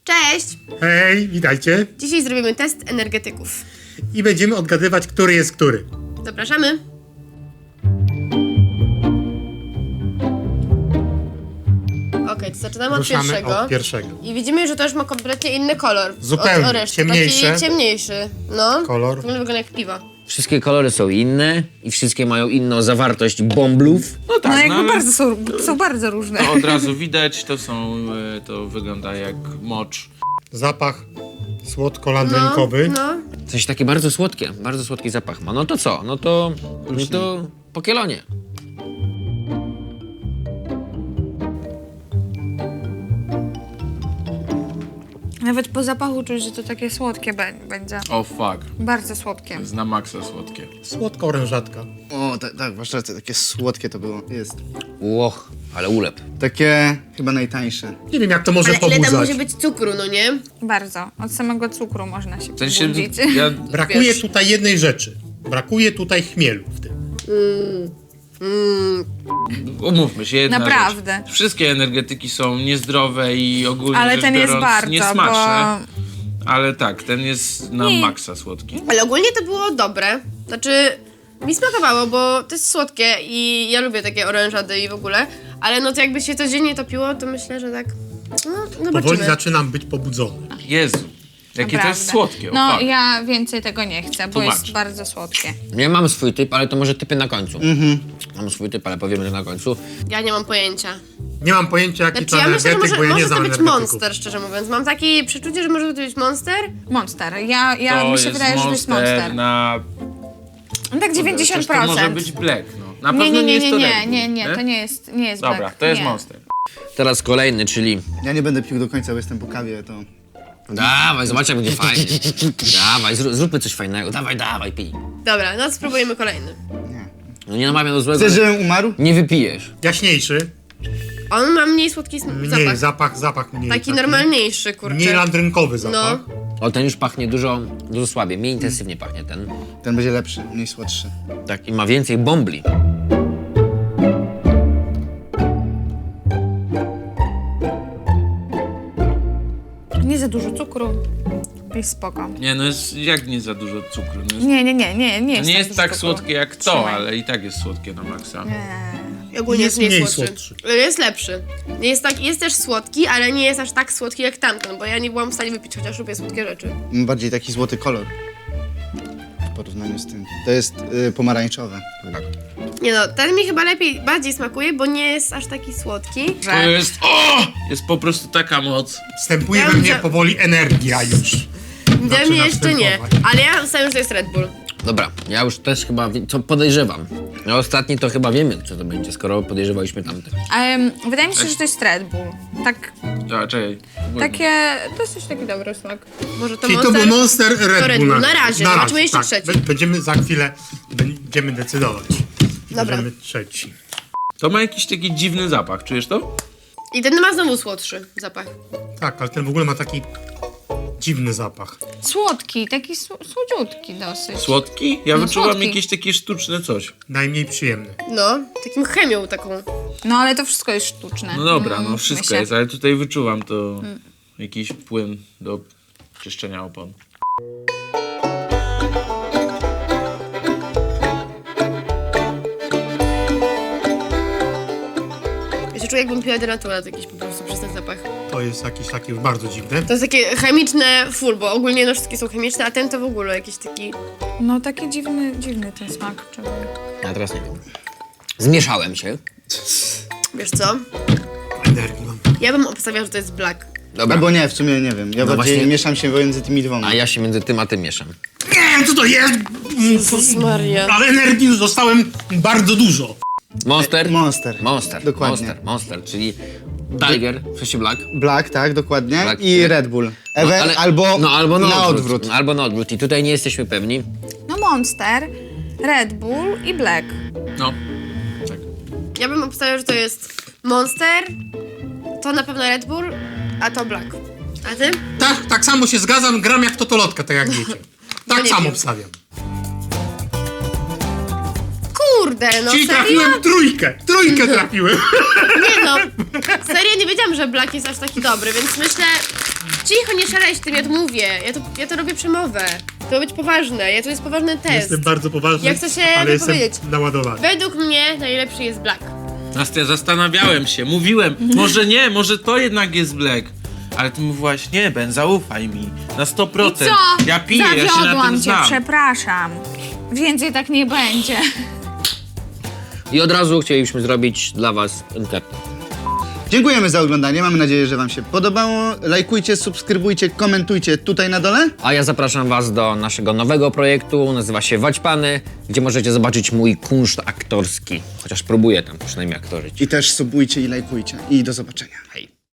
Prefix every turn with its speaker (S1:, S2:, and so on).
S1: Cześć!
S2: Hej, witajcie.
S1: Dzisiaj zrobimy test energetyków.
S2: I będziemy odgadywać, który jest który.
S1: Zapraszamy. Okej, to zaczynamy od
S2: Ruszamy
S1: pierwszego.
S2: od pierwszego.
S1: I widzimy, że to już ma kompletnie inny kolor.
S2: Zupełnie,
S1: Od reszty.
S2: ciemniejszy.
S1: Taki ciemniejszy. No.
S2: Kolor.
S1: Wygląda jak piwo.
S3: Wszystkie kolory są inne i wszystkie mają inną zawartość bąblów.
S4: No tak,
S5: No jakby
S4: ale
S5: bardzo są bardzo różne.
S4: to od razu widać, to wygląda jak mocz.
S2: Zapach słodko-landrynkowy.
S1: No.
S3: Coś takie bardzo słodki zapach ma. No to co? No to po kielonie.
S5: Nawet po zapachu czuć, że to takie słodkie będzie.
S4: O fuck,
S5: Bardzo słodkie.
S4: to jest na maksa słodkie.
S2: Słodko-orężatka.
S6: O, tak, masz rację, takie słodkie to było. Jest.
S3: Łoch, ale ulep.
S6: Takie chyba najtańsze.
S2: Nie wiem, jak to może
S1: Ale ile tam
S2: pobudzać.
S1: może być cukru, no nie?
S5: Bardzo. Od samego cukru można się
S4: W sensie,
S5: pobudzić.
S4: ja,
S2: Brakuje
S1: Wiesz.
S2: tutaj jednej rzeczy. Brakuje tutaj chmielu w tym.
S4: umówmy się, jedna
S5: Naprawdę.
S4: rzecz. Wszystkie energetyki są niezdrowe i ogólnie
S5: Ale
S4: rzecz
S5: ten jest
S4: biorąc,
S5: bardzo,
S4: niesmaczne. Ale tak, ten jest na maksa słodki.
S1: Ale ogólnie to było dobre. Znaczy, mi smakowało, bo to jest słodkie i ja lubię takie orężady i w ogóle. Ale no to jakby się codziennie topiło, to myślę, że tak... No,
S2: Powoli
S1: zobaczymy.
S2: zaczynam być pobudzony.
S4: Jezu, jakie to jest
S5: Naprawdę.
S4: słodkie, o
S5: No
S4: fuck.
S5: ja więcej tego nie chcę, bo
S4: Tłumacz.
S5: jest bardzo słodkie.
S3: Ja mam swój typ, ale to może typy na końcu. Mam swój typ, ale powiemy, że na końcu.
S1: Ja nie mam pojęcia.
S2: Nie mam pojęcia, jaki
S1: Znaczy,
S2: to
S1: ja myślę, że
S2: energetyk, bo ja nie
S1: może to
S2: znam
S1: być
S2: energetyków.
S1: Monster, szczerze mówiąc. Mam takie przeczucie, że może to być Monster.
S5: Monster. Ja
S4: To
S5: mi się
S4: jest
S5: wydaje, że to jest Monster.
S4: na...
S5: Tak
S4: Chociaż to może
S5: 90%.
S4: być Black, no. Na
S5: Nie,
S4: pewno
S5: nie,
S4: jest to
S5: nie,
S4: Red Bull,
S5: nie, to nie jest
S4: Dobra,
S5: Black.
S4: to jest
S5: nie.
S4: Monster.
S3: Teraz kolejny, czyli...
S6: Ja nie będę pił do końca, bo jestem po kawie, to...
S3: Dawaj, zobacz jak będzie fajnie. Dawaj, zróbmy coś fajnego. Dawaj, pij.
S1: Dobra, no spróbujemy kolejny.
S3: No nie namawiam do złego.
S6: Chcesz, żebym umarł?
S3: Nie wypijesz.
S2: Jaśniejszy.
S1: On ma mniej słodki
S2: Mniej,
S1: zapach.
S2: zapach mniej.
S1: Taki normalniejszy, kurczę.
S2: Mniej landrynkowy zapach.
S1: No.
S3: O, ten już pachnie dużo słabiej, mniej intensywnie pachnie ten.
S6: Ten będzie lepszy, mniej słodszy.
S3: Tak, i ma więcej bąbli.
S5: Nie za dużo cukru. Jest spoko.
S4: Nie, no jest jak nie za dużo cukru. No jest,
S5: Nie jest
S4: nie
S5: za
S4: jest
S5: dużo
S4: tak
S5: cukru.
S4: słodkie jak to,
S5: Trzymaj.
S4: ale i tak jest słodkie na maksa.
S1: I ogólnie
S2: Jest
S1: jest mniej
S2: mniej
S1: słodszy.
S2: słodszy.
S1: Jest lepszy. Jest też słodki, ale nie jest aż tak słodki jak tamten, bo ja nie byłam w stanie wypić, chociaż lubię słodkie rzeczy.
S6: Ma bardziej taki złoty kolor. W porównaniu z tym. To jest pomarańczowe.
S1: Nie no, ten mi chyba bardziej smakuje, bo nie jest aż taki słodki.
S4: To jest... O! Jest po prostu taka moc.
S2: Wstępuje
S1: Ja
S2: we mnie
S1: bym-
S2: powoli energia już.
S1: Dla mnie jeszcze nie,
S2: wstępować.
S1: ale ja myślałam, że to jest Red Bull.
S3: Dobra, ja już też chyba co podejrzewam. No ostatni to chyba wiemy, co to będzie, skoro podejrzewaliśmy tamte.
S5: Wydaje mi się, że to jest Red Bull. Tak,
S4: A, czekaj.
S5: to jest też taki dobry smak.
S1: Może to
S2: Czyli to
S1: Monster?
S2: był Monster Red Bull.
S1: Na razie, zobaczymy jeszcze trzeci.
S2: Będziemy za chwilę decydować.
S1: Dobra.
S2: Bierzemy trzeci.
S4: To ma jakiś taki dziwny zapach, czujesz to?
S1: I ten ma znowu słodszy zapach.
S2: Tak, ale ten w ogóle ma taki dziwny zapach.
S5: Słodki, taki słodziutki dosyć.
S4: Słodki? Ja
S5: No,
S4: wyczułam
S5: słodki.
S4: jakieś takie sztuczne coś.
S2: Najmniej przyjemny.
S1: No, takim chemią taką.
S5: No ale to wszystko jest sztuczne.
S4: No dobra, no
S5: mówmy
S4: wszystko
S5: się.
S4: jest, ale tutaj wyczuwam to jakiś płyn do czyszczenia opon.
S1: Ja się czuję, jakbym piła denaturat jakiś po prostu przez ten zapach.
S2: To jest jakieś takie bardzo dziwne.
S1: To jest takie chemiczne full, bo ogólnie no wszystkie są chemiczne, a ten to w ogóle jakiś taki...
S5: No taki dziwny ten smak. Czego...
S3: Ja teraz nie wiem. Zmieszałem się.
S1: Wiesz co?
S2: Energii mam.
S1: Ja bym obstawiała, że to jest black.
S3: Dobra,
S6: Albo nie, w sumie nie wiem. Ja
S3: No
S6: bardziej
S3: właśnie-
S6: mieszam się pomiędzy tymi dwoma.
S3: a ja się między tym a tym mieszam.
S2: Nie wiem, co to jest!
S1: Jezus Maria.
S2: Ale energii już dostałem bardzo dużo.
S3: Monster?
S6: Monster. Dokładnie.
S3: Monster, czyli Tiger, w sensie Black.
S6: Black, tak, dokładnie.
S3: Black,
S6: I
S3: nie?
S6: Red Bull.
S3: Ale-
S6: albo
S3: na
S6: odwrót.
S3: No, albo na odwrót. I tutaj nie jesteśmy pewni.
S5: No Monster, Red Bull i Black.
S4: No, tak.
S1: Ja bym obstawiała, że to jest Monster, to na pewno Red Bull, a to black. A ty?
S2: Tak samo się zgadzam, gram jak totolotka, tak jak wiecie. Tak
S1: nie
S2: samo
S1: wiem.
S2: obstawiam.
S1: Kurde, no
S2: Czyli
S1: serio?
S2: trafiłem trójkę. Trójkę trafiłem.
S1: Nie no, serio nie wiedziałam, że black jest aż taki dobry, więc myślę, Cicho, nie szaleć tym, ja to mówię. Ja to robię przemowę. To ma być poważne, to jest poważny test.
S2: Jestem bardzo poważny,
S1: Ja chcę się
S2: ale jestem
S1: wypowiedzieć.
S2: naładowany.
S1: Według mnie najlepszy jest Black.
S4: Nastya, zastanawiałem się, mówiłem, może nie, może to jednak jest Black. Ale ty mówiłaś, nie, Ben, zaufaj mi, na 100%.
S5: Co?
S4: Ja piję, ja się na
S5: Zawiodłam
S4: tym
S5: cię,
S4: znam.
S5: przepraszam. Więcej tak nie będzie.
S3: I od razu chcielibyśmy zrobić dla was ankietę.
S6: Dziękujemy za oglądanie, mamy nadzieję, że wam się podobało. Lajkujcie, subskrybujcie, komentujcie tutaj na dole.
S3: A ja zapraszam was do naszego nowego projektu, nazywa się Waćpany, gdzie możecie zobaczyć mój kunszt aktorski. Chociaż próbuję tam przynajmniej aktorzyć.
S6: I też subujcie i lajkujcie. I do zobaczenia.
S3: Hej.